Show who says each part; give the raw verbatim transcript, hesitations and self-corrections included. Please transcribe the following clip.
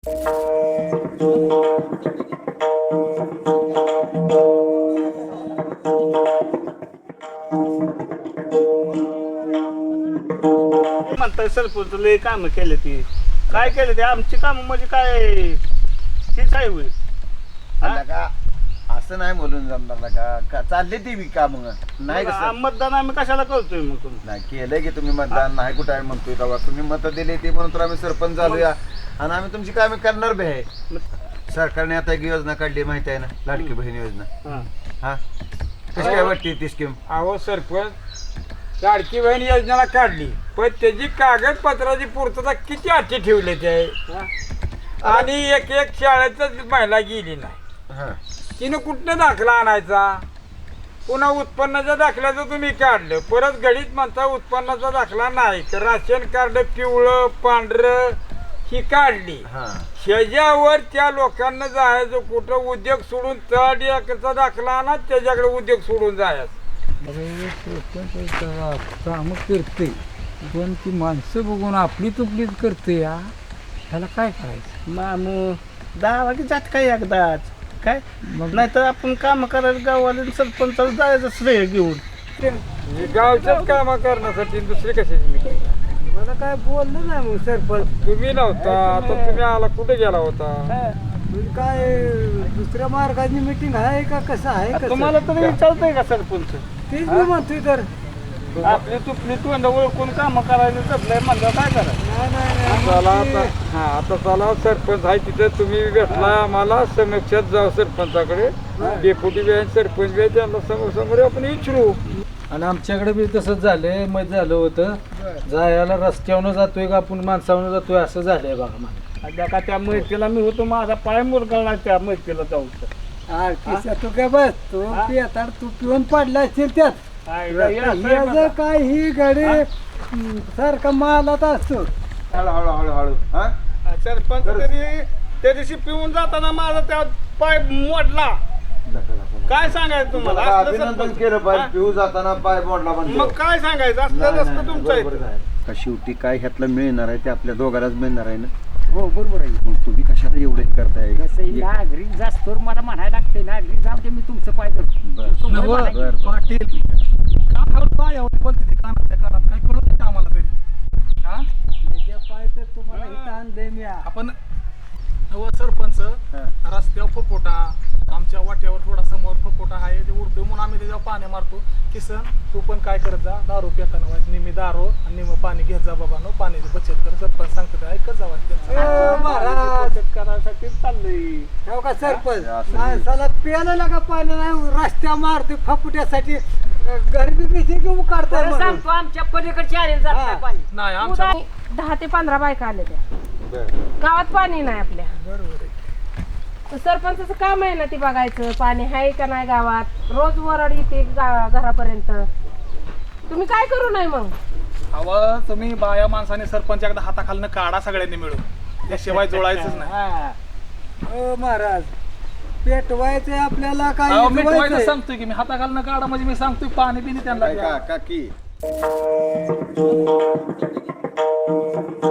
Speaker 1: म्हणताय सरपंच लय काम केले ती काय केले ते आमची काम म्हणजे काय तीच आहे होय
Speaker 2: आला का असं नाही बोलून जमणार का का चालले ती बी का मग नाही
Speaker 1: मग
Speaker 2: कसं
Speaker 1: मतदान आम्ही कशाला करतोय मग तुम्ही
Speaker 2: नाही केलंय की तुम्ही मतदान नाही कुठं आहे म्हणतोय तेव्हा तुम्ही मत दिले ते म्हणून तर आम्ही सरपंच झालोया आणि आम्ही तुमची कामे करणार बी आहे. सरकारने आता एक योजना काढली माहिती आहे ना, लाडकी बहीण योजना.
Speaker 1: हा.
Speaker 2: हा कशी काय वाटते ती स्कीम?
Speaker 3: अहो सरपंच लाडकी बहीण योजना काढली पण त्याची कागदपत्राची पूर्तता किती आठी ठेवले ते आणि एक एक शाळेतच महिला गेली नाही.
Speaker 2: हा
Speaker 3: तिनं कुठनं दाखला आणायचा? पुन्हा उत्पन्नाच्या दाखल्याचं तुम्ही काढलं, परत घडीत म्हणता उत्पन्नाचा दाखला नाही तर राशन कार्ड पिवळं पांढरं ही काढली.
Speaker 2: हा
Speaker 3: ह्याच्यावर त्या लोकांना जायचं कुठं उद्योग सोडून तड एकचा दाखला आणा त्याच्याकडे उद्योग सोडून जायचं.
Speaker 4: काम करते पण ती माणसं बघून आपली तुपलीच करते या ह्याला काय करायचं?
Speaker 1: मामू दहा की जात काय एकदाच काय नाही तर आपण काम करायला गाववाले सरपंचाला जायचं श्रेय घेऊन.
Speaker 3: ही गावच्याच कामं करण्यासाठी दुसरी कशाची मीटिंग?
Speaker 4: मला काय बोललं नाही मग सरपंच.
Speaker 3: तुम्ही नव्हता आता तुम्ही आला कुठे गेला होता?
Speaker 4: काय दुसऱ्या मार्गाची मीटिंग आहे का कसं आहे कसं?
Speaker 1: तुम्हाला तरी विचारतंय का सरपंच?
Speaker 4: तेच मी म्हणतोय तर
Speaker 1: आपली तुपली तोंड ओळखून काम करायला जपलंय म्हणलं काय करायचं?
Speaker 4: नाही नाही नाही
Speaker 3: चला आता हा आता चला सरपंच आहे तिथं तुम्ही भेटला आम्हाला समक्षात जाऊ सरपंचाकडे डेप्युटी बी आहे सरपंच बी आहे त्यांना समोर समोर आपण विचारू.
Speaker 4: आणि आमच्याकडे बी तसंच झालंय मग झालं होतं जायला रस्त्यावरून जातोय का आपण माणसावरून जातोय असं झालंय बघा मला.
Speaker 1: आता का त्या मैत्रीला मी होतो माझा पाय मुरगळला त्या मैत्रीला जाऊन तर.
Speaker 4: तू काय बस तू पियाताड तू पिऊन पडला असेल त्यात याचं काय ही गाडी सारखा मालात असतो.
Speaker 2: हळूहळू हळूहळू हा
Speaker 1: सरपंच तरी त्या दिवशी पिऊन जाताना माझा त्या पाय मोडला. काय सांगायचं तुम्हाला? असलं
Speaker 2: अभिनंदन
Speaker 1: सरपंच.
Speaker 2: केलं
Speaker 1: हा?
Speaker 2: पाहिजे पिऊ जाताना पाय मोडला म्हणजे
Speaker 1: मग काय सांगायचं असलं
Speaker 2: नाही,
Speaker 1: नसतं
Speaker 2: नाही,
Speaker 1: तुमचं
Speaker 2: बरोबर
Speaker 1: इथं.
Speaker 2: आहे. का शेवटी काय ह्यातलं मिळणार आहे ते आपल्या दोघांनाच मिळणार आहे ना.
Speaker 4: हो बरोबर आहे.
Speaker 2: मग तुम्ही कशाला एवढे हे करताय?
Speaker 5: नागरिक जास्त मला म्हणायला लागते नागरिक जाऊ दे मी तुमचं पाय धरतो.
Speaker 2: बरं.
Speaker 5: तुम्ही म्हणायचं.
Speaker 2: बरं, बरं.
Speaker 6: पाटील काय पायावर बोलते ते कानातल्या कानात काय कळत नाही आम्हाला तरी. हा
Speaker 4: त्याच्या पाय तर तुम्हाला इथं आणलंय मी.
Speaker 6: आपण नव सरपंच रस्त्यावर फपोटा आमच्या वाट्यावर थोडा समोर फपोटा आहे ते उडतोय म्हणून आम्ही त्याच्यावर पाणी मारतो. किसन तू पण काय करत जा दारू पिताना व्हायच निम्मी दारू आणि निम्म पाणी घेत जा बाबा नो पाण्याची बचत कर. सरपंच सांगतो ऐकत जा
Speaker 4: महाराज
Speaker 1: बचत करायसाठी चाललंय.
Speaker 4: हो का सरपंच
Speaker 2: असं
Speaker 4: नाही साला प्यायला लागा पाणी नाही रस्त्या मारते फपुट्यासाठी गरीबी बिशी घेऊन काढताय
Speaker 5: बरं
Speaker 4: म्हणून.
Speaker 5: सांगतो आमच्या पलीकडच्या आलेलं जात नाही पाणी.
Speaker 6: नाही आमच्या
Speaker 7: दहा ते पंधरा बायका आल्या त्या
Speaker 2: बरं.
Speaker 7: गावात पाणी नाही आपल्या.
Speaker 6: बरोबर आहे.
Speaker 7: सरपंचाचं काम आहे ना ती बघायचं पाणी आहे का नाही गावात. रोज वरड येते गा- घरापर्यंत. तुम्ही काय करू नये मग?
Speaker 6: हवं तुम्ही बाया माणसाने सरपंच एकदा हाताखालनं काढा सगळ्यांनी मिळून त्याशिवाय जोडायचंच नाही.
Speaker 4: हा. हो महाराज पेटवायचंय आपल्याला काय
Speaker 6: अहो, मी तुम्हाला
Speaker 4: इजवायचंय.
Speaker 6: सांगतोय की मी हाताखालनं काढा म्हणजे मी सांगतोय पाणी बिनी त्यांना
Speaker 2: काय
Speaker 6: द्या.
Speaker 2: का काकी